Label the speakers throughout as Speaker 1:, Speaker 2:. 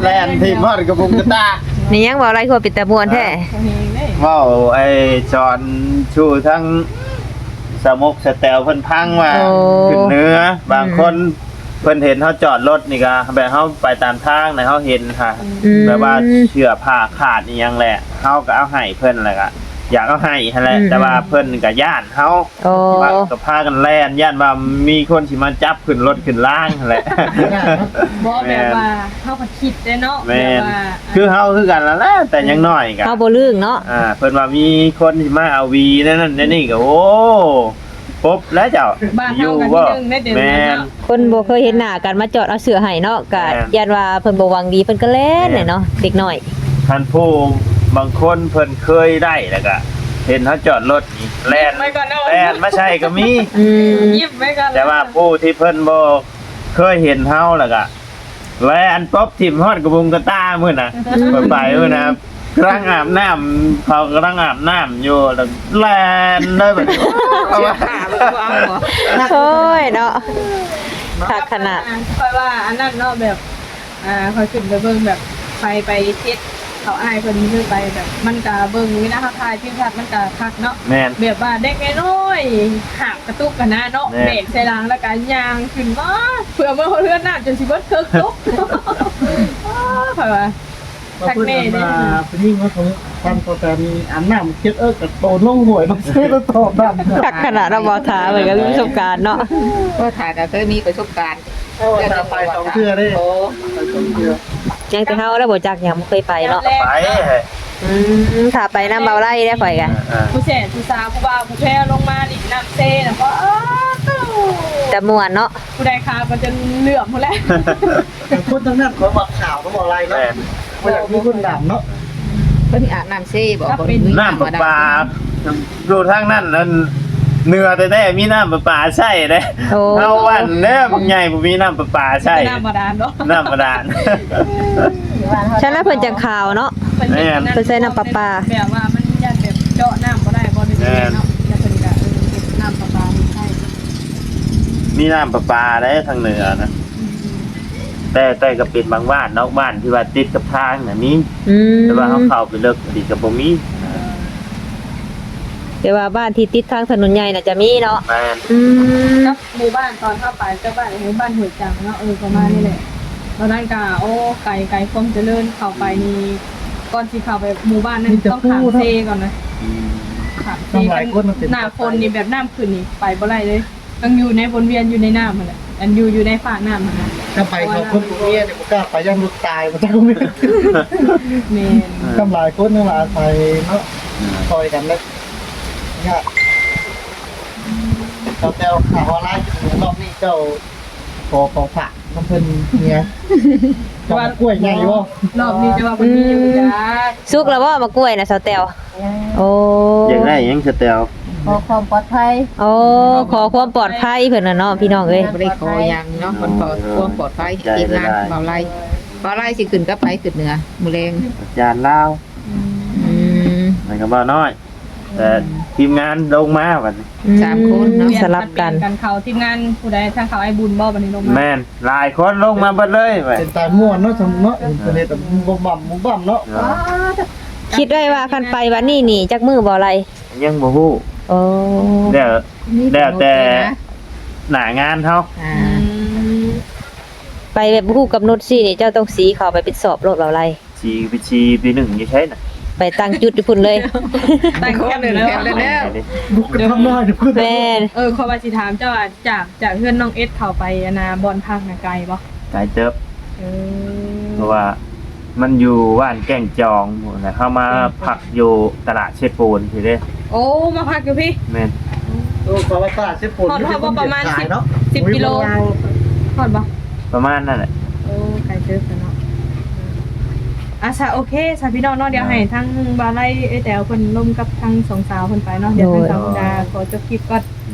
Speaker 1: ล่นทีมฮอดกระบุงกระตา
Speaker 2: นี่ยังบ่อะไรคือปิดตะมวนแท้
Speaker 1: เว้าไอ้จอนชูทั้งสมกสแตลเพิ่นพังมาขึ้นเนื้อบางคนเพิ่นเห็นเฮาจอดรถนี่ก็แบบเฮาไปตามทางน่ะเฮาเห็นค่ะแบบว่าเชือกผ้าขาดอีหยังแหละเฮาก็เอาให้เพิ่นแหละก็อยากเอาให้หั่นแหละแต่ว่าเพิ่นก็ย่านเฮา
Speaker 2: โอ้
Speaker 1: ว่าก็พากันแล่นย่านว่ามีคนสิมาจับขึ้นรถขึ้นล่างหั่นแหละ
Speaker 3: บ่แบบว่าเฮาก็คิดได้เนาะแบ
Speaker 1: แม่
Speaker 3: บ
Speaker 1: น
Speaker 3: ว่า
Speaker 1: คือเฮาคือกันนั่นแหละแต่ยังน้อยก็
Speaker 2: เฮาบ่ลืงเนาะ
Speaker 1: เพิ่นว่ามีคนสิมาเอาวีนั่นนี่ก็โอ้ปุ๊บแล้วเจ้า
Speaker 3: บ้านเฮากันที่นึงได้เดือน
Speaker 1: แม่
Speaker 3: นั้น
Speaker 1: น
Speaker 3: เนาะ
Speaker 2: คนบ่เคยเห็นหน้ากันมาจอดเอาเสื้อให้เนาะก็
Speaker 1: แม่น
Speaker 2: ยันว่าเพิ่นบ่หวังดีเพิ่นก็เล่นเนาะเด็กน้อย
Speaker 1: ท่านผู้บางคนเพิ่นเคยได้แล้วก็เห็นเขาจอดรถนี่แล่นแล่นไม่ใช่ก็มี
Speaker 3: ยิบไว้ก่อน
Speaker 1: แต่ว่าผู้ที่เพิ่นบ่เคยเห็นเฮาแล้วก็แล่นป๊อบทิ่มฮอดกระบุงกระตามื้อน่ะเพิ่นไปมื้อน่ะกำลังอาบน้ำเขากำลังอาบน้ำอยู่แล้วแล่นเลยแบบนี้เอาว่า
Speaker 2: โอ้ยเนาะคักขนาด
Speaker 3: ค่อยว่าอันนั้นเนาะแบบค่อยขึ้นไปเบิ่งแบบไปเฮ็ดเขาอ้ายเพิ่นคือไปแบบมันก็เบิ่งวินาทีที่ชัดมันก็คักเนาะ
Speaker 1: แม่น
Speaker 3: แบบว่าเด็กน้อยๆหักกระตุกกันนะเนาะ
Speaker 1: แม่
Speaker 3: เบรกใส่หลังแล้วก็ยางขึ้นมาเพื่อเมื่อเพื่อนน้ำจนสิเบิดเคิกตุกค่อยว่า
Speaker 4: มาพูดกันมาเป็นยิ่งว่าของความโปรแกรมอันน้ำเช็ดกับโตลงหวยต้องซื้อแล้วตอบดัง
Speaker 2: คักขนาดเราบ่ทาเหมือนกันมีประสบการณ์เนาะ
Speaker 5: ก็ถ่ายก็เคยมีประสบการณ์
Speaker 4: จะไปสองเทื่อได้ไปสองเทื่อ
Speaker 2: ยังแต่เฮาแล้วบ่จักหยังบ่เคยไปเนาะ
Speaker 3: แรก
Speaker 1: ไปเฮ้ย
Speaker 2: ถ้าไปน้ำเบาไล่ได้ข่อยกัน
Speaker 3: ผู้แสนผู้สาวผู้บ่าวผู้แพ้ลงมาดิน้ำเซ่แล้วก็ตู้
Speaker 2: แต่ม่วนเนาะ
Speaker 3: ผู้ใดคามันจะเหลื่อมหมดแล้ว
Speaker 4: คนทั้งนั้นขอบอกข่าวก็บอกอะไรเนาะ
Speaker 1: แม่น
Speaker 4: ว่าอยากมีคนดำเนาะ
Speaker 5: เพิ่นอาบน้ำเซ่บอกคน
Speaker 1: น้ำประปาดูทางนั้นนั่นเนื้อแต่ได้มีน้ำประปาใช่เด้
Speaker 2: โอ้
Speaker 1: เอาวันเด้อบางใหญ่บ่มีน้ำประปาใช่
Speaker 3: น้ำบาดาลเนาะ
Speaker 1: น้ำบาดาล
Speaker 2: ฉันแล้วเพิ่นจังข่าวเนาะ เพิ่นใส่น้ำประปา
Speaker 3: แบบว่ามันยันแบบเจาะน้ำก็ได้บ่ได้เนาะยันเป็นกะน้ำประปาใช่
Speaker 1: มีน้ำประปาได้ทางเหนือนะแต่ก็เป็นบางบ้านนอกบ้านที่ว่าติดกับทางน่ะมี แต่ว่าเขาเข้าไปเลิกดีกับบ่มี
Speaker 2: แต่ว่าบ้านที่ติดทางถนนใหญ่น่ะจะมีเนาะ
Speaker 1: แม่น
Speaker 3: ครับหมู่บ้านตอนเข้าไปเจ้าบ้านหมู่บ้านหัวจังเนาะประมาณนี้แหละตอนนั้นก็โอ้ไก่คมเจริญเข้าไปนี่ก่อนที่เข้าไปหมู่บ้านนั้นต้องขามเซก่อนนะขามเซหน้าฝนนี่แบบน้ำขึ้นนี่ไปบ่ได้เลยต้องอยู่ในวนเวียนอยู่ในน้ำมันแหละอันอยู่ในฝาน้ำมันนะ
Speaker 4: ถ้าไปเขาคนเมียเนี่ยกล้าไปย่างลูกตายมันจะก็ไม่
Speaker 3: เมน
Speaker 4: ทำลายคนทั้งหลายไปเนาะคอยกันเลยเนี่ยเจ้าข่าวออนไลน์รอบนี้เจ้าขอฝากน้ำเพิ่นเนี่ยว่ากล้วยใหญ่บ่
Speaker 3: รอบนี้จะว่ามันมีอยู่จ้า
Speaker 2: สุกแล้วบ่มากล้วยน่ะสาวแตวโอ้
Speaker 1: อยากได้หยังสเตล
Speaker 5: ขอความปลอดภัย
Speaker 2: โอ้ขอความปลอดภัยเพิ่นน่ะเนาะพี่น้องเอ้ย
Speaker 5: บ่ได้ขออย่างเนาะคนขอความปลอดภัยทีมงานเบาไล่เบาไล่สิขึ้นก็ไปขึ้นเหนือมื้อแรง
Speaker 1: อาจารย์ลาว
Speaker 2: อืม
Speaker 1: มันก็บ่น้อย แต่ทีมงานลงมาบัดนี้
Speaker 5: 3คนเนาะ
Speaker 2: สลับกัน
Speaker 3: กันเขาทีมงานผู้ใดทางเขาไอ้บุญบ่บัดนี้ลงมา
Speaker 1: แม่นหลายคนลงมาเบิดเลยไป
Speaker 4: เป็นตายม่วนเนาะสมเนาะอินเทอร์เน็ตบ่บ่ำเนาะ
Speaker 2: คิดไว้ว่าคันไปวันนี้นี่จักมือบ่ไร
Speaker 1: ยังบ่ฮู้
Speaker 2: โอ้
Speaker 1: แล้วแต่หน้างานเฮา
Speaker 5: อ่า
Speaker 2: ไปแบบฮู้กับนุชสินี่เจ้าต้องสีเข้าไปเป็นสอบรถบ่ไร
Speaker 1: ชีปีหนึ่งอยู่ใช่น่ะ
Speaker 2: ไปตั้งจุดอยู่พุ่นเลย
Speaker 3: ตั้งแคมป์แล้ว
Speaker 4: บุกกันทำได้เดี๋ยวเพื่อน
Speaker 2: แม่น
Speaker 3: ขอว่าสิถามเจ้าว่าจากเพื่อนน้องเอสเข้าไปบอลพักน่ะไกลบ่
Speaker 1: ไกลเติบ
Speaker 3: เออ
Speaker 1: เพราะว่ามันอยู่ว่านแก่งจองหมดนะเข้ามาพักอยู่ตลาดเชฟปูนทีเด้
Speaker 3: โอ้มาพักอยู่พี่
Speaker 1: แม่น
Speaker 4: โอ้ขอว่าตลาดเชฟปุ่น
Speaker 3: ฮอดบ่ประมาณ
Speaker 4: ขายเนาะ
Speaker 3: 10กิโลฮอดบ่
Speaker 1: ประมาณนั่นแหละ
Speaker 3: โอ้ไกลเติบเนาะซะโอเคซะพี่น้องเนาะเดี๋ยวให้ทั้งบาไลแต๋วเพิ่นร่วมกับทั้งสองสาวเพิ่นไปเนาะเดี๋ยวทั้งสาวดาขอจบคลิปก่อน
Speaker 1: เน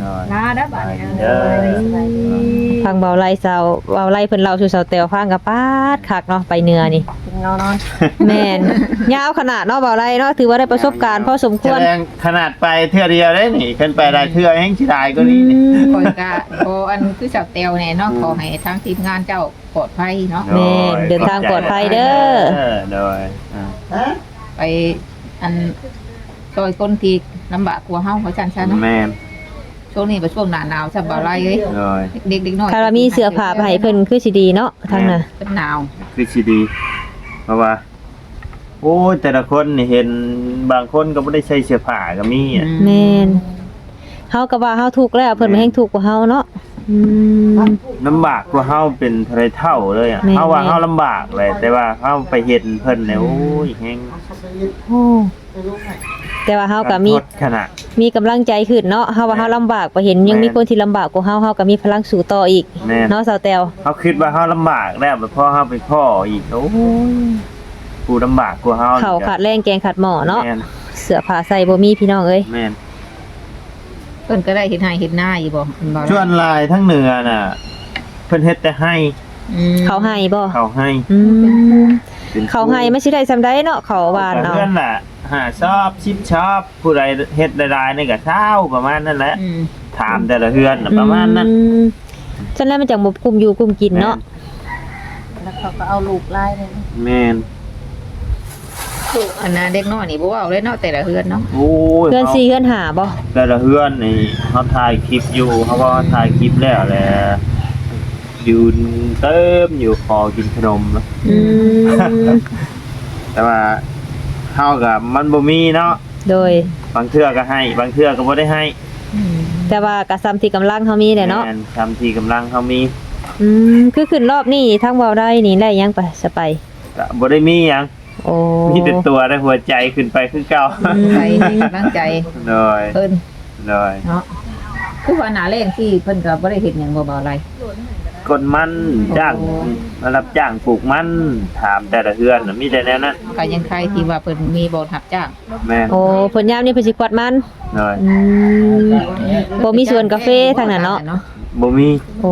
Speaker 3: ลาได้อบัดนี้
Speaker 1: เด้อ
Speaker 2: ฟังเบาไล่สาวเบาไล่เพิ่นเล่าสู่สาวแตวฟังก็ปาดคักเนาะไปเหนือนี่
Speaker 5: นอน
Speaker 2: แม่นยาวขนาดเนาะเบาไล่เนาะถือว่าได้ประสบการณ์พอสมควร
Speaker 1: แสดงขนาดไปเทื่อเดียวได้นี่ขึ้นไปได้เทื่อแห่งสิได้ก็นี่นี่
Speaker 5: คอยกะโออันคือสาวเตวเนี่ยเนาะขอให้ทางทีมงานเจ้าปลอดภัยเนาะ
Speaker 2: แม่นเดินทางปลอดภัยเด้อ
Speaker 1: โดย
Speaker 5: ไปอันซอยคนที่ลำบากกว่าเฮาเพราะฉันซะเนาะ
Speaker 1: แม่น
Speaker 5: ช่วงนี้เป็นช่วงหน้าหนาวซะบ่ไรเอ้ย
Speaker 1: โดย
Speaker 5: เด็กๆน้อย
Speaker 2: ถ้าเรามีเสื้อผ้าไปให้เพิ่นคือสิดีเนาะทางน่ะ
Speaker 5: เป็นหนาว
Speaker 1: คือสิดี เพราะว่า โอ้ยแต่ละคนนี่เห็นบางคนก็บ่ได้ใส่เสื้อผ้าก็มีอ่ะ
Speaker 2: แม่นเฮาก็ว่าเฮาทุกข์แล้วเพิ่นบ่แฮงทุกข์กว่าเฮาเนาะ
Speaker 1: ลำบากกว่าเฮาเป็นเท่าไรเท่าเลยอ่ะ
Speaker 2: แม่น
Speaker 1: เฮาว่าเฮาลำบากเลย แต่ว่าเฮาไปเห็นเพิ่นเนี่ยโอ้ยแฮง
Speaker 2: โอ้แต่ว่าเฮาก็มี
Speaker 1: ทดขนาด
Speaker 2: มีกำลังใจขึ้นเนาะเฮาว่าเฮาลำบากไปเห็นยังมีคนที่ลำบากกว่าเฮาเฮาก็มีพลังสู้ต่ออีก
Speaker 1: แม่น
Speaker 2: เนาะสาวแตว
Speaker 1: เฮาคิดว่าเฮาลำบากแล้วแบบพอเฮาไปพ่ออีกโอ้ยผู้ลำบากกว่าเฮา
Speaker 2: ข้าวขาดแรงแกงขาดหม้อเนาะ
Speaker 1: แม่น
Speaker 2: เสื้อผ้าใส่บ่มีพี่น้องเอ้ย
Speaker 1: แม่น
Speaker 5: เพิ่นก็ได้เห็นให้เห็นหน้าอยู่บ่เพิ่นบ่
Speaker 1: ชวนลายทั้งเหนือน่ะ เพิ่นเฮ็ดแต่ให้
Speaker 2: เขาให้บ่
Speaker 1: เขาให้
Speaker 2: อืม
Speaker 1: ป็น
Speaker 2: เขาให้ไม่ใช่ได้ซำใดเนาะเขาหวาน
Speaker 1: แต่
Speaker 2: เอา
Speaker 1: เพื่อนน่ะหาชอบชิปชอบผู้ใดเฮ็ดได้ๆนี่ก็เช้าประมาณนั้นแหละ ถามแต่ละเฮือนน่ะประมาณนั้น
Speaker 2: ฉะนั้นมันจังบ่กุมอยู่กุมกินเนาะ
Speaker 5: แล้วเขาก็เอาลูกไล่เลย
Speaker 1: แม่น
Speaker 5: อันน่ะเด็กน้อยนี่บ่เว้าเลยเนาะแต่ละเฮือนเนาะ
Speaker 1: โอ้ย
Speaker 2: เพื่อน4เพื่อนหาบ่
Speaker 1: แต่ละเฮือนนี่เขาถ่ายคลิปอยู่เขาก็ถ่ายคลิปแล้วแหละยืนเติมอยู่คอกินขนมนะ
Speaker 2: อืม
Speaker 1: แต่ว่าเฮากับมันบ่มีเนาะ
Speaker 2: โดย
Speaker 1: บางเทื่อก็ให้ บางเทื่อก็บ่ได้ให้
Speaker 2: แต่ว่ากะซ้ำที่กำลังเฮามีแหละเนาะ
Speaker 1: แม่ทำที่กำลังเขามี
Speaker 2: คือขึ้นรอบนี้ทางเว้าได้นี่ได้ยังไปสไป
Speaker 1: ก็บ่ได้มีหยัง
Speaker 2: โอ้
Speaker 1: มีแต่ตัวและหัวใจขึ้นไปคือเก่า
Speaker 5: ใจให้กำลังใจ
Speaker 1: โดย
Speaker 5: เพิ่น
Speaker 1: โดย
Speaker 5: เนาะคือว่าหน้าแรงที่เพิ่นก็บ่ได้เฮ็ดหยังบ่เบาอะไร
Speaker 1: กดมันจ้างมารับจ้างปลูกมันถามแต่ละเฮือนน่ะมีแต่แนวนั้น
Speaker 5: ก็ยังใครที่ว่าเพิ่นมีบ่รับจ้าง
Speaker 1: แม่น
Speaker 2: โอ้ผลยามนี่เพิ่นสิกวาดมัน
Speaker 1: โดย
Speaker 2: บ่มีสวนกาแฟทางนั้นเนาะ
Speaker 1: บ่มี
Speaker 2: โอ้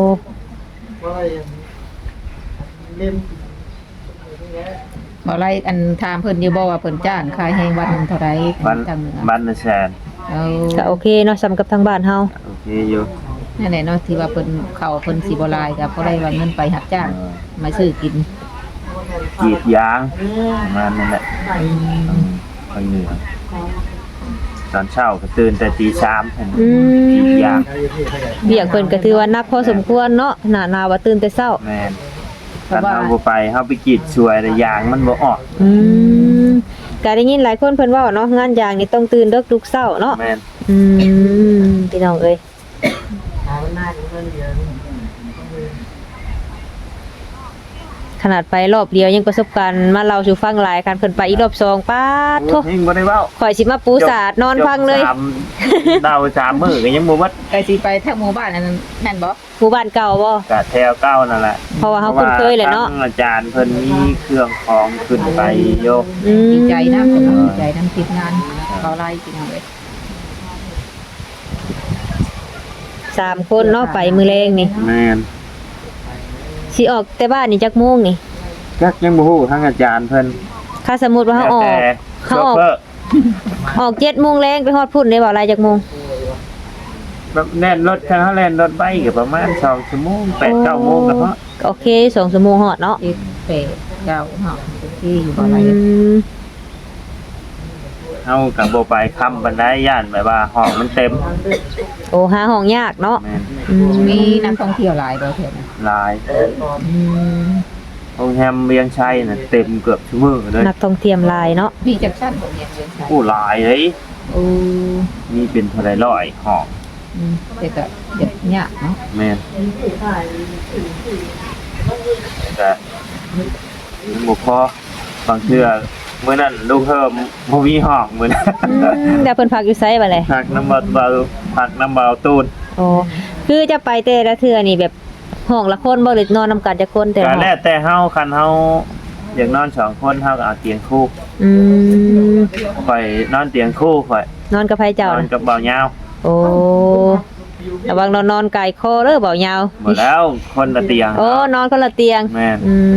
Speaker 5: บ่ไรอันถามเพิ่นอยู่บ่ว่าเพิ่นจ้างขายให้วันหนึงเท่าใด
Speaker 1: บ้าน
Speaker 5: ทางเหนือ
Speaker 1: บ้านละแสน
Speaker 5: เอา
Speaker 2: ก็โอเคเนาะซ้ำกับทางบ้านเฮา
Speaker 1: โอเคอยู่
Speaker 5: นั่นแหละเนาะที่ว่าเพิ่นเข้าเพิ่นสิบ่หลายก็บ่ได้ว่าเงินไปรับจ้างมาซื้อกิน
Speaker 1: กรีดยางประมาณนั้นแหละไปเหนือตอนเช้าก็ตื่นแต่ตี3เห็น
Speaker 2: อื
Speaker 1: กรีด
Speaker 2: ม
Speaker 1: ยาง
Speaker 2: เบียกเพิ่นก็ถือว่านักพอสมควรเนาะหน้าหนาวว่าตื่นแต่เช้า
Speaker 1: แม่นตอนเฮาบ่ไปเฮาไปกรีดช่วยแต่ยางมันบ่ออก
Speaker 2: ก็ได้ยินหลายคนเพิ่นเว้าเนาะงานยางนี่ต้องตื่นดึกทุกเช้าเนาะ
Speaker 1: แม่น
Speaker 2: พี่น้องเอ้ยขนาดไปรอบเดียวยังประสบการณ์มาเล่าสู่ฟังหลายคันเพิ่นไปอีกรอบ2ป๊าดโธ่
Speaker 1: เฮงบ่ได้เว้า
Speaker 2: ข่อยสิมาปูสาดนอนฟังเลย
Speaker 1: จบดาว3มื้อก็ยังบ่วัด
Speaker 5: ก็สิไปทางหมู่บ้านอันนั้นแม่นบ่
Speaker 2: หมู่บ้านเก่าบ่
Speaker 1: ก็แถวเก้านั่นแหละ
Speaker 2: เพราะว่าเฮาคุ้นเคยแหละเนาะ
Speaker 1: พรว่ทงอาจารย์เพิ่นมีเครื่องของขึ้นไปโยก
Speaker 5: ดีใจนะผมดีใจทั้งทีมงานเขาไล่จริงเลย
Speaker 2: 3คนเนาะไปมื้อแรงนี่
Speaker 1: แม่น
Speaker 2: สิออกแต่บ้านนี่จักโมงนี่
Speaker 1: จักยังบ่ฮู้ทางอาจารย์เพิ่น
Speaker 2: ถ้าสมมุติว่าเฮาออก
Speaker 1: แล้วแต่
Speaker 2: เขา
Speaker 1: โช
Speaker 2: ออก
Speaker 1: เฟอร์
Speaker 2: ออก7โมงแรงไปฮอดพุ่นได้บ่หลายจักโมง
Speaker 1: แบบแน่นรถคันเฮาแล่นรถไปก็ประมาณ2ชั่วโมง8-9โมงก็พอ
Speaker 2: โอเค2ชั่วโมงฮอดเนาะ
Speaker 5: เอ็ดเปดเก้าเนาะที่อยู่บ่อะไร
Speaker 1: เฮาก็บ่ไปค้ำปานใดย่านแบบว่าห้องมันเต็ม
Speaker 2: โอ้หาห้องยากเนาะ
Speaker 1: แม่น
Speaker 5: มีนักท่องเที่ยวหลายบ่เท่านั้น
Speaker 1: หลายโรงแรมเวียงชัยน่ะเต็มเกือบทุกมื้อเลย
Speaker 2: นักท่องเที่ยวหลายเนาะ
Speaker 5: มีจักชั้นบ่เนี่ยเรียนใช่
Speaker 1: ผู้หลายเลย
Speaker 5: โอ้
Speaker 1: มีเป็นเท่าไหร่ร้อยห้อง
Speaker 5: แต่ก็เด็ดยากเนาะ
Speaker 1: แม่นแต่มันบ่พอบางเทื่อมื้อนั้นลูกเฮิมบ่มีห้องมื้อนั้น
Speaker 2: แล้วเพิ่นพักอยู่ไสบัดเลย
Speaker 1: พักน้ำเบาพักน้ำเบาตูน
Speaker 2: โอ้คือจะไปแต่ละเทื่อนี่แบบห้องละคนบ่หรือนอนนำกันจักคนแต่ละ
Speaker 1: ก็
Speaker 2: ห้อง
Speaker 1: แล้วแต่เฮาคันเฮาอยากนอน2คนเฮาก็เอาเตียงคู่
Speaker 2: อืม
Speaker 1: ข่อยนอนเตียงคู่ข่อย
Speaker 2: นอนกับไผเจ้าน
Speaker 1: อน
Speaker 2: น่ะ
Speaker 1: กับเบายาว
Speaker 2: โอ้ระวังนอนไก่คอเด้อเบายาว
Speaker 1: หมดแล้วคนละเตียง
Speaker 2: โอ้นอนคนละเตียง
Speaker 1: แม่น
Speaker 2: อืม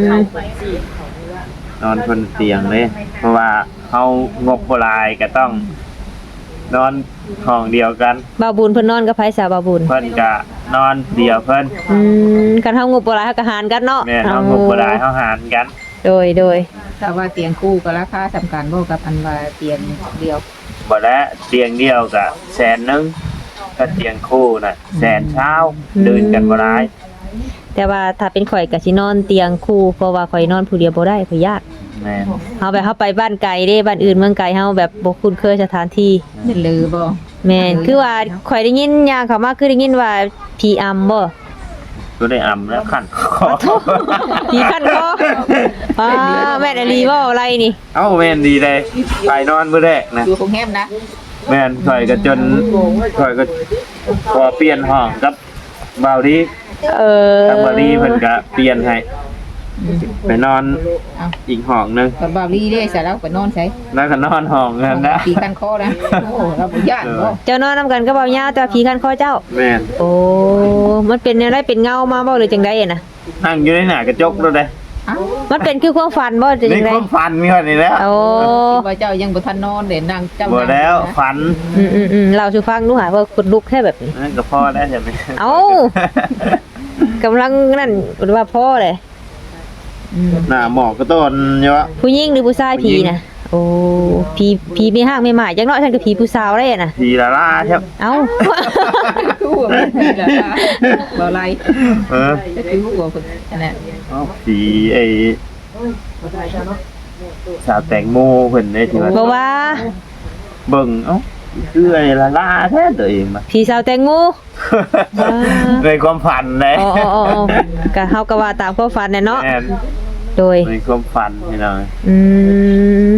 Speaker 1: นอนคนละเตียงเลยเพราะว่าเฮางบบ่หลายก็ต้อง นอนห้องเดียวกัน
Speaker 2: บ่าวบุญเพิ่นนอนกับไผสาวบ่าวบุญ
Speaker 1: เพิ่นก็นอนเดียวเพิ่น
Speaker 2: กันเฮางบบ่หลายเฮาก็หารกันเนาะ
Speaker 1: แม่นเฮางบบ่หลายเฮาหารกัน
Speaker 2: โดย
Speaker 5: ถ้าว่าเตียงคู่ก็ราคาสำคัญบ่กับอันว่าเตียงเดียว
Speaker 1: บ่แล้วเตียงเดียวก็100,000ถ้าเตียงคู่น่ะ100,000เดินกันบ่หลาย
Speaker 2: แต่ว่าถ้าเป็นข่อยก็สินอนเตียงคู่เพราะว่าข่อยนอนผู้เดียวบ่ได้ข่อยยาก
Speaker 1: แม่น
Speaker 2: เฮาไปบ้านไกลเด้บ้านอื่นเมืองไกลเฮาแบบบ่คุ้นเคยสถานที่
Speaker 5: นี่ลือบ่
Speaker 2: แม่นคือว่าข่อยได้ยินอย่างเขามาคือได้ยินว่าผีอำบ่
Speaker 1: ก็ได้อำแล้วขั้นคอ
Speaker 2: ผีคันคอแม่นอลีบ่อะไรนี่
Speaker 1: เอ้าแม่นดีเลยไปนอนมื้อแรกนะ
Speaker 5: อยู่กรุงเทพนะ
Speaker 1: แม่นข่อยก็จนข่อยก็ขอเปลี่ยนห้องกับบ่าวดี ทางบาลีเพิ่นก็เปลี่ยนให้ไปนอนอีกห้องนึง
Speaker 5: กับบาวลี่ได้เสร็จแล้วไปนอนใช้
Speaker 1: แล้วก็นอนห้องนั้นนะ
Speaker 5: ปีกันคอนะโอ้เราบ่ย่านบ่
Speaker 2: เจ้านอนนํกันก็บ่ยาวแต่ว่าผีคันคอเจ้า
Speaker 1: แม่น
Speaker 2: โอ้มันเป็นอะไรเป็นเงามาบ่หรือจังได๋น่ะ
Speaker 1: นั่งอยู่ในหน้ากระจกแล้วเด้
Speaker 2: มันเป็นคือความฝันบ่จัง
Speaker 1: นี่
Speaker 2: ได๋
Speaker 1: ความฝันมีเท่านี้แล้ว
Speaker 2: โอ้
Speaker 5: ว่าเจ้ายังบ่ทันนอนเด่นนั่งเจ้า
Speaker 1: บ่แล้วฝัน
Speaker 2: เราสิฟังดูหาว่าคนลุกแค่แบบนี้
Speaker 1: นั่นก็พอแล้วใช่ไหม
Speaker 2: เอ้า กำลังนั่นว่าพ่อเลย
Speaker 1: หน้าหมอกก็ต้นอยู่วะ
Speaker 2: ผู้หญิงหรือผู้ชาย
Speaker 1: ผู้
Speaker 2: ผี
Speaker 1: หญิง
Speaker 2: นะโอ้ผีไม่ห้างไม่หมายจังเนาะฉันก็ผีผู้สาวได้น่ะ
Speaker 1: ทีละล่าใช่ไหม
Speaker 2: เอ้า
Speaker 5: คู่บ่ได้ล่ะบ่ไร
Speaker 1: เออ
Speaker 5: จะคือหัวเพิ่นอันนั้น
Speaker 1: เอาสีไอ้สาวแตงโมเพิ่นได้ที่ว่า
Speaker 2: เพราะว่า
Speaker 1: เบิ่งเอ้าคือไอ้ละล่าแท้ตัวเองมา
Speaker 2: ผีสาวแตงโม
Speaker 1: ในความฝันเลย
Speaker 2: อ๋อก็เฮาก็ว่าตามความฝันน่ะเนาะ
Speaker 1: แม่น
Speaker 2: โดย
Speaker 1: ในความฝันพี่น้อง
Speaker 2: อืม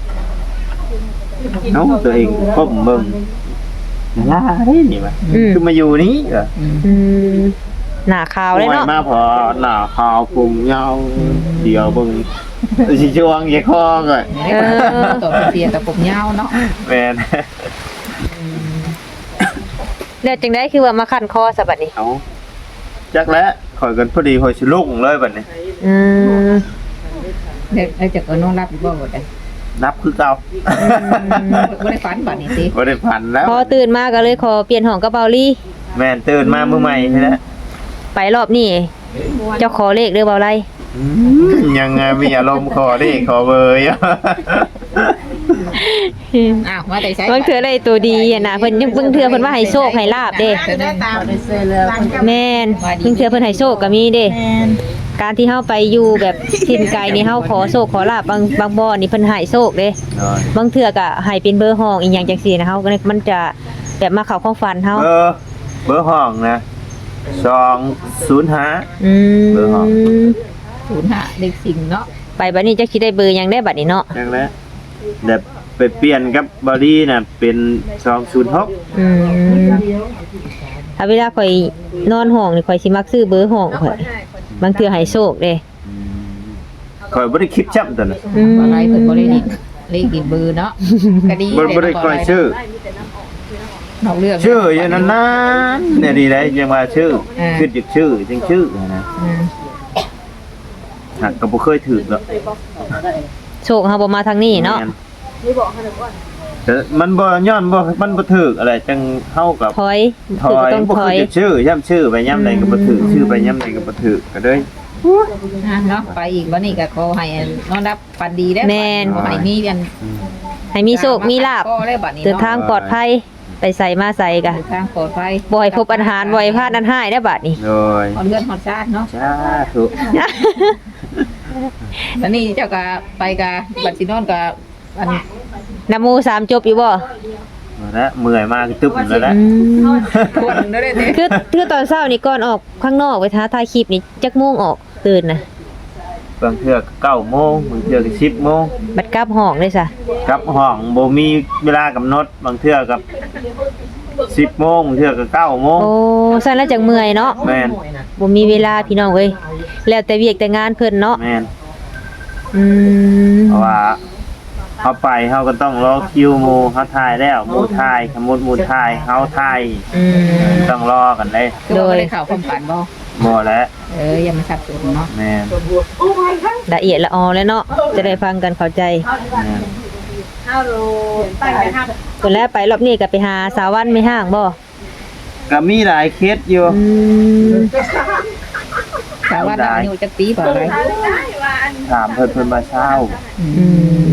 Speaker 1: เอ้าตัวเองก้มเบิ่งล่าได้นี่มาคือมาอยู่นี้เหรอ
Speaker 2: อืมหน้าขาวเลยเนาะ
Speaker 1: โอ้มาพอหน้าขาวผมยาวเดียวเบิ่งสิช่วงอย่าคอก่อน
Speaker 5: ตัวเสียกับผมยาวเนาะ
Speaker 1: แม่น
Speaker 2: แล้วจังได๋คือว่ามาคั่นคอซะบัดนี้
Speaker 1: เอาจักแล้วข่อยกันพอดีข่อยสิลุกเลยบัดนี้
Speaker 2: อืม
Speaker 5: แล้วจะก็นอนรับอยู่บ่บ่ได้
Speaker 1: นับคือเก่า
Speaker 5: บ่ได้ฝันบัดนี้ติ
Speaker 1: บ่ได้พันแล้ว
Speaker 2: พอตื่นมาก็เลยขอเปลี่ยนห้องกับเบาลี่
Speaker 1: แม่นตื่นมามื้อใหม่ใช่แล้ว
Speaker 2: ไปรอบนี้เจ้าขอเลขเด้อเบาไร
Speaker 1: ยังไงมีอารมณ์ขอดิขอเบอร์อยู่
Speaker 5: อ้าวมาแต่ใช้
Speaker 2: เพิ่นเถื่ออะไรตัวดีอะนะเพิ่นยังเพิ่งเถื่อเพิ่นว่าให้โชคให้ลาบเด้
Speaker 5: ได้ตาม
Speaker 2: แม่นเพิ่งเถื่อเพิ่นให้โชคก็มีเด้การที่เฮาไปอยู่แบบถิ่นไกลนี่เฮาขอโชคขอลาบบางบ่อนี่เพิ่นให้โชคเด้บางเถื่อก็ให้เป็นเบอร์ห้องอีหยังจังซี่นะเฮาก็เลยมันจะแบบมาเข้าความฝันเฮา
Speaker 1: เบอร์ห้องนะ205
Speaker 2: อืม
Speaker 1: เบอร์ห้อง
Speaker 5: 05เลขสิ่งเนาะ
Speaker 2: ไปบัดนี้จักสิได้เบอร์หยังได้บัดนี้เนาะ
Speaker 1: จังแล้วแบบไปเปลี่ยนกับบอดี้น่ะเป็น206
Speaker 2: อืมถ้าเวลาข่อยนอนห้องนี่ข่อยสิมักซื้อเบอร์ห้องข่อยบางเทื่อให้โชคเด้
Speaker 1: ข่อยบ่ได้คิดจับตัวน่ะ
Speaker 5: บ่ไรเพิ่นบ่ได้ดิเลขดิเบอร์เนาะก็ดี
Speaker 1: บ่ได้ค่อยชื่อ
Speaker 5: เอาเรื่อง
Speaker 1: ชื่ออยู่นั่นนะเนี่ยดีได้ยังว่าชื่อคิดอยู่ชื่อจังชื่อนะหักก็บ่เคยถือหรอก
Speaker 2: โชคเฮาบ่มาทางนี้เนาะ
Speaker 1: แต่มันบ่ย้อนบ่มันบ่ถืออะไรจังเฮากับ
Speaker 2: ถอย
Speaker 1: ถ
Speaker 2: คือ
Speaker 1: อย
Speaker 2: ต้อง
Speaker 1: บ่
Speaker 2: ถอย
Speaker 1: คือชื่อย่ำชื่อไปย่ำใดก็บ่ถือชื่อไปย่ำใดก็บ่ถือก็เลย
Speaker 5: เนาะไปอีกวันนี้ก็ขอให้นอนรับฝันดีได้ขอให้มีกัน
Speaker 2: ให้มีโชคมีลาภ
Speaker 5: ก็ได้บัดนี้
Speaker 2: เดินทางปลอดภัยไปใส่มาใส่กะ
Speaker 5: ทางปลอดภัย
Speaker 2: บ่ให้พบอันหารบ่ให้พลาดอันหายได้บัดนี้
Speaker 1: โดย
Speaker 5: ฮอดเงินฮอดชาติเนาะ
Speaker 1: สาธุ
Speaker 5: แล้วนี่เจ้าก็ไปกับบัดสินอนกับอัน
Speaker 2: นะโมสามจบอยู่บ่
Speaker 1: มาแล้วเมื่อยมากตึ๊บแล้วนะ
Speaker 5: คนได้เด้
Speaker 2: คือตอนเช้านี่ก่อนออกข้างนอกไปท้าถ่ายคลิปนี่จักโมงออกตื่นนะ
Speaker 1: บางเทื่อก็9โมงบางเทื่อก็10โมง
Speaker 2: บัดกลับห้องเลยซะ
Speaker 1: กลับห้องบ่มีเวลากำหนดบางเทื่อกับ10โมงบางเทื่อก็9โมง
Speaker 2: โอ้ซั่นแล้วจังเมื่อยเนาะ
Speaker 1: แม่น
Speaker 2: บ่มีเวลาพี่น้องเอ้ยแล้วแต่เวียกแต่งานเพิ่นเนาะ
Speaker 1: แม่น
Speaker 2: อืม
Speaker 1: เพราะว่าเขาไปเขาก็ต้องรอคิวหมู่เขาถ่ายแล้วหมู่ถ่ายสมมุติหมู่ถ่ายเขาถ่าย
Speaker 2: อืม
Speaker 1: ต้องรอกันเลย
Speaker 5: คือว่าบ่ได้เข้าความฝันบ่
Speaker 1: บ่แล้ว
Speaker 5: อย่ามาสับสนเนาะ
Speaker 1: แม่น
Speaker 2: ละเอียดละออแล้วเนาะจะได้ฟังกันเข้าใจ
Speaker 1: แม่น
Speaker 3: เอาโลตั้งใจทำ
Speaker 2: คนแรกไปรอบนี้ก็ไปหาสาววันไม่ห่างบ่
Speaker 1: ก็มีหลายเคสอยู่
Speaker 2: อืม
Speaker 5: แต่ว่าเราอายุจักปีบ่อะไร
Speaker 1: ถามเพิ่นมาเช้า
Speaker 2: อืม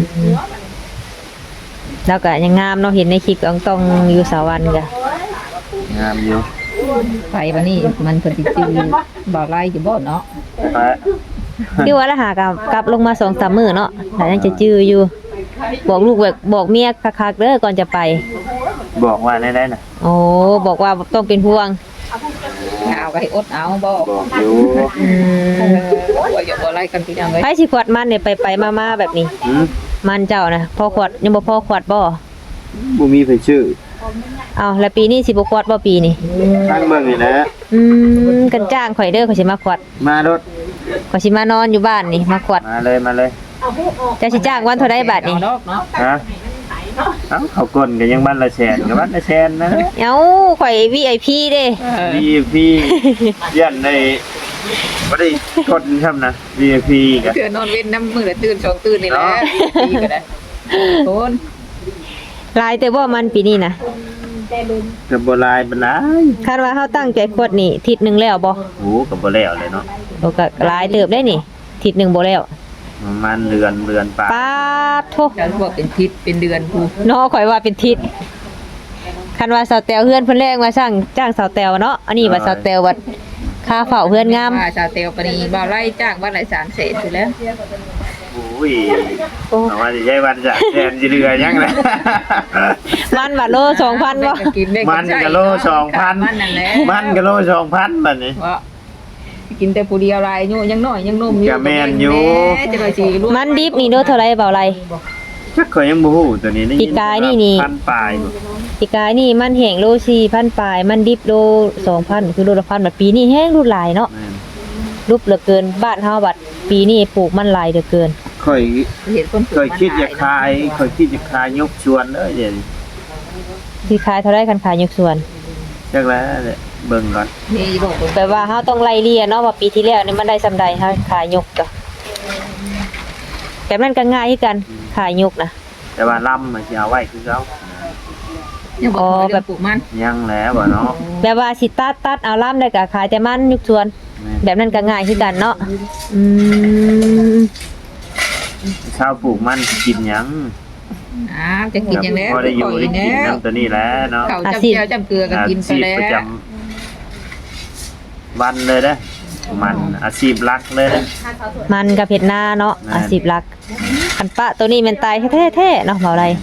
Speaker 2: แล้วก็ยังงามเนาะเห็นในคลิปก็ต้องอยู่สาววันก็
Speaker 1: งามอยู่
Speaker 5: ไปวันนี้มันเพิ่นสิจื้อบ่ไล่อยู่บ่เนาะ
Speaker 1: ไป
Speaker 2: คือว่าละหากับกลับลงมา 2-3 มื้อเนาะแต่ยังจะจื้ออยู่ บอกลูกบอกเมียคักๆเด้อก่อนจะไป
Speaker 1: บอกว่าได้น่ะ
Speaker 2: โอ้บอกว่าต้องเป็นห่วง
Speaker 5: เอาไว้อดเอาบ่
Speaker 1: บอกอยู่
Speaker 2: อืม
Speaker 5: ว่าอย่าบ่ไล่กันพี่น้องเอ้ย
Speaker 2: ไปสิขวดมันเนี่ยไปมาๆแบบนี้
Speaker 1: หืม
Speaker 2: มันเจ้านะพอขวดยังบ่พอขวดบ่
Speaker 1: บ่มีไผชื่อ
Speaker 2: เอาแล้วปีนี้สิบ่ขวดบ่ปีนี้
Speaker 1: ทางเบิ่งนี่นะ
Speaker 2: กันจ้างข่อยเด้อข่อยสิมาขวด
Speaker 1: มารถ
Speaker 2: ข่อยสิมานอนอยู่บ้านนี่มาขวด
Speaker 1: มาเลย
Speaker 2: จะสิจ้างวันเท่าใดบาทนี่
Speaker 5: เนาะเนาะ
Speaker 1: ฮะเอ้าเขากลก็ยังบ้านละแสนก็บ้านละแสนนะ
Speaker 2: เอ้าข่อย VIP เด้
Speaker 1: VIP ยันในบ่ได้กดทำนะ VIP ก็
Speaker 5: เตือนนอนเว้นน้ำมื้อละตื่น2ตื่นนี่แหละปีก็ได้โอน
Speaker 2: หลายแต่บ่มันปีนี้นะ
Speaker 1: ก็บ่หลายปานใด
Speaker 2: คาดว่าเฮาตั้งใจขวดนี่ทิศหนึงแล้วบ่
Speaker 1: โอ้ก็บ่แล้วเลยเนาะ
Speaker 2: โอ้ก็หลายเติบได้นี่ทิศหนึงบ่แล้ว
Speaker 1: ประมาณเดือนปลาย
Speaker 2: ป๊าดโท
Speaker 5: แล้วบอกเป็นทิศเป็นเดือนผู้
Speaker 2: เนาะข่อยว่าเป็นทิศคันว่าสาวแตวเฮือนเพิ่นแรงว่าจ้างสาวแตวเนาะอันนี้ว่าสาวแตวว่าค่าเฝ้าเฮือนงาม
Speaker 5: ว่าชาวเตลปนีบ่าวไล่จ้างวันละ3แสนอยู่แล้ว
Speaker 1: โอ้ยเอาว่าสิใช้วันจะแทนสิเหลือยังนะ
Speaker 2: มันบาทโล2,000บ่
Speaker 1: มันก็โล2,000
Speaker 5: มันนั่นแหละ
Speaker 1: มันก็โล2,000บัดนี้
Speaker 5: ว่ากินแต่ผู้เดียวลายอยู่ยังน้อยยังหนุ่มอยู่
Speaker 1: ก็แม่นอยู่
Speaker 5: แม่จะไปสิลูก
Speaker 2: มันดิบนี่โลเท่าไหร่เบาไร
Speaker 1: จักข่อยยังบ่ฮู้ตัวนี้ได้
Speaker 2: ปีกายนี่
Speaker 1: พันปลาย
Speaker 2: ปีกายนี่มันแห้งโล4,000ปลายมันดิบโล2,000คือโลละ1,000บัดปีนี้แห้งรูดหลายเนาะ
Speaker 1: แม่น
Speaker 2: รูปเหลือเกินบ้านเฮาบัดปีนี้ปลูกมันหลายเหลือเกิน
Speaker 1: ข่อย
Speaker 5: เห็นคนปลูก
Speaker 1: ข่อยคิดจะขายข่อยคิดจะขายยกชวนเด้อเดี๋ยวนี้
Speaker 2: สิขายเท่าไหร่กันขายยกส่วน
Speaker 1: จักแล้วแหละเบิ่งก่อน
Speaker 5: นี่บอก
Speaker 2: แปลว่าเฮาต้องไล่เลี่ยเนาะว่าปีที่แล้วนี่มันได้ซำใดเฮาขายยกก็แบบนั้นก็ง่ายคือกันขายยกนะ
Speaker 1: แต่ว่าลำมันสิเอาไว้คือเก่า
Speaker 5: ยังบอกว่าเรื่องปลูกมัน
Speaker 1: ยังแล้วบ่เนาะ
Speaker 2: แบบว่าสิตัดเอาล่ํได้ก็ขายแต่มันยกส่วน
Speaker 1: แม่น
Speaker 2: แบบนั้นก็ง่ายคือกันเนาะอืม
Speaker 1: ชาวปลูกมันสิกินหยัง
Speaker 5: จะกินอย่างแล้ว
Speaker 1: พอได้อยู่ได้กิน
Speaker 5: แล้ว
Speaker 1: น้ำตัวนี้แหล้วเนาะ
Speaker 5: เขาจำเจียวจำเกลือก็กินไป
Speaker 1: อาชีพ
Speaker 5: แล้
Speaker 1: ประจ
Speaker 5: ว
Speaker 1: ำวันเลยเด้อมันอาชีพหลักเลยเด้อ
Speaker 2: มันกับเผ็ดหน้าเนาะ
Speaker 1: แม่น
Speaker 2: อาชีพหลักคันปะตัวนี้มันตายแท้ๆเนาะเบาไร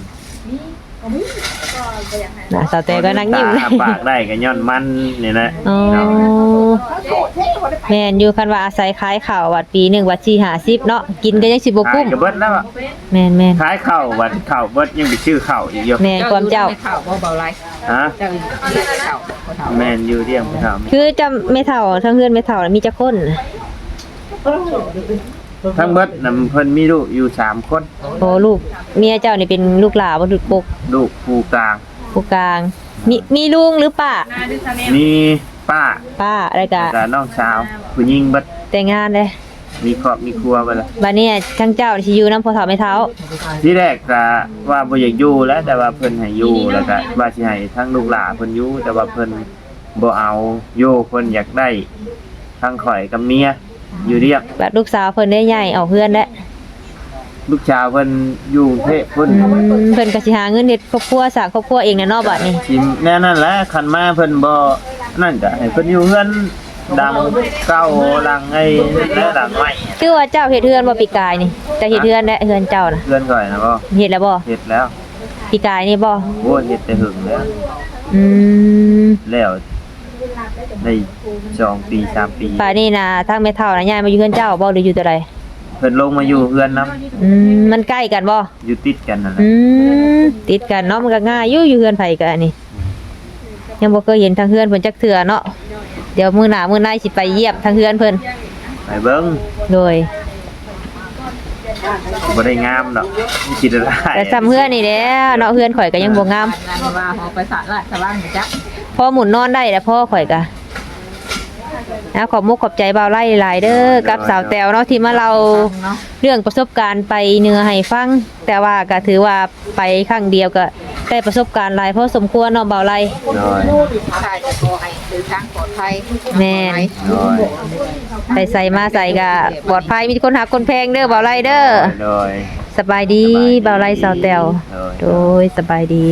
Speaker 2: นะสาวแต่ก็นั่งยิ้ม
Speaker 1: ตาปากได้ก็ย้อนมันนี่แหละ
Speaker 2: อ๋อแม่นอยู่คันว่าอาศัยขายข้าววัดปีหนึงวัด4-50เนาะกินก็ยังสิบ่
Speaker 1: ขา
Speaker 2: กุ้
Speaker 1: ย
Speaker 2: ม
Speaker 1: ก็เบิดแล้วอะ
Speaker 2: แม่น
Speaker 1: ขายข้าววันข้าวเบิดยังไปชื่อข้าวอีกอยู่
Speaker 2: ๆแม่นความเจ้า
Speaker 5: ข่าวบ่เบาไร
Speaker 1: ฮะ
Speaker 5: เจ้าข่าวเขาถาม
Speaker 1: แม่นอยู่เรียงไปถาม
Speaker 2: คือจำไม่เท่าทั้งเฮือนไม่เท่าน่ะมีจักคน
Speaker 1: ทั้งเบิดน่ะเพิ่นมีลูกอยู่3คน
Speaker 2: โอ้ลูกเมียเจ้านี่เป็นลูกหลานบ่ลูกปก
Speaker 1: ลูกผู้กลาง
Speaker 2: ผู้กลางมีลุงหรือป้า
Speaker 1: มีป้า
Speaker 2: ป้าอะไรก็
Speaker 1: แล้วน้องสาวผู้หญิงเบิด
Speaker 2: แต่งงานเลย
Speaker 1: มีครอบมีครัวไปแล้ว
Speaker 2: บัดนี้ทั้งเจ้าสิอยู่นำพ่อเฒ่าแม่เฒ่า
Speaker 1: ที่แรกก็ว่าบ่อยากอยู่แล้วแต่ว่าเพิ่นให้อยู่แล้วก็ว่าสิให้ทั้งลูกหลานเพิ่นอยู่แต่ว่าเพิ่นบ่เอาอยู่เพิ่นอยากได้ทั้งข่อยกับเมียอยู่เรียก
Speaker 2: บัดลูกสาวเพิ่นได้ใหญ่ออกเฮือนแล้ว
Speaker 1: ลูกชาวเพิ่นอยู่กรุงเทพเพิ่น
Speaker 2: เพิ่นก็สิหาเงินเฮ็ดครอบครัวสร้างครอบครัวเองแน่เนาะบัดนี้
Speaker 1: สิแน่นั่นแหละคันมาเพิ่นบ่นั่นก็ให้เพิ่นอยู่เฮือนดังเก่าหลังไอ้และหลังใหม่
Speaker 2: คือว่าเจ้าเฮ็ดเฮือนบ่ปีกายนี่เจ้าเฮ็ดเฮือนและเฮือนเจ้าน่ะ
Speaker 1: เฮือนก่อยนะบ่
Speaker 2: เฮ็ดแล้วบ่
Speaker 1: เฮ็ดแล้ว
Speaker 2: ปีกายนี่บ่
Speaker 1: โอ้เฮ็ดแต่หึงแล้ว
Speaker 2: อืม
Speaker 1: แล้วได้2 ปี 3 ปี
Speaker 2: ป่านนี้น่ะทางแม่เฒ่าน่ะย้ายมาอยู่เฮือนเจ้าบ่หรืออยู่ตัวใด
Speaker 1: เพิ่นลงมาอยู่เฮือนนํ
Speaker 2: มันใกล้กันบ่
Speaker 1: อยู่ติดกันนั่นแหละ
Speaker 2: อืมติดกันเนาะมันก็ง่ายอยู่เฮือนไผก็อันนี้ยังบ่เคยเห็นทางเฮือนเพิ่นจักเทื่อเนาะเดี๋ยวมื้อหน้ามื้อในสิไปเยี่ยมทางเฮือนเพิ่น
Speaker 1: ไปเบิ่ง
Speaker 2: โดย
Speaker 1: บ่ได้งามดอกคิดได้
Speaker 2: แต่ซ้ำเฮือนนี่แหละเนาะเฮือนข่อยก็ยังบ่งาม
Speaker 5: งานว่าหอไปสาราชว่างจัก
Speaker 2: พอหมุนนอนได้แล้วพ่อข่อยก็นะขอบมุกขอบใจบ่าวไล่หลายเด้อกับสาวแตวเนาะที่มาเราเรื่องประสบการณ์ไปเหนือให้ฟังแต่ว่าก็ถือว่าไปครั้งเดียวก็ได้ประสบการณ์หลายพอสมควรเนาะบ่าวไล่
Speaker 1: โดย
Speaker 5: ใช่จะขอให้เดินทางปลอดภัย
Speaker 2: แม่น
Speaker 1: โดย
Speaker 2: ไปใส่มาใส่ก็ปลอดภัยมีคนหาคนแพงเด้อบ่าวไล่เด้อ
Speaker 1: โดย
Speaker 2: สบายดีบ่าวไล่สาวแตวโดยสบายดี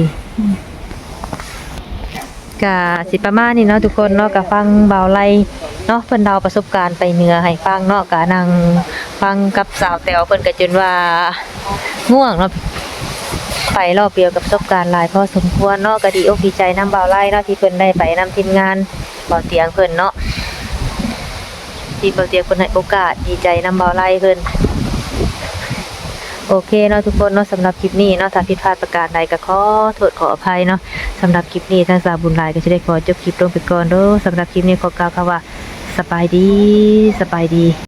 Speaker 2: ก็สิประมาณนี้เนาะทุกคนเนาะก็ฟังบ่าวไล่เนาะเพิ่นเล่าประสบการณ์ไปเหนือให้ฟังเนาะก็นั่งฟังกับสาวแตวเพิ่นก็จนว่าง่วงเนาะไปรอบเดียวกับประสบการณ์หลายพอสมควรเนาะก็ดีอกดีใจนำบ่าวไล่เนาะที่เพิ่นได้ไปนำทีมงานบ่าวเตียงเพิ่นเนาะที่บ่าวเตียงเพิ่นให้โอกาสดีใจนำบ่าวไล่เพิ่นโอเคเนาะทุกคนเนาะสำหรับคลิปนี้เนาะถ้าผิดพลาดประการใดก็ขอโทษขออภัยเนาะสำหรับคลิปนี้ทางสาวบุญหลายก็จะได้ขอจบคลิปลงไปก่อนเด้อสำหรับคลิปนี้ขอกล่าวคำว่าสบายดี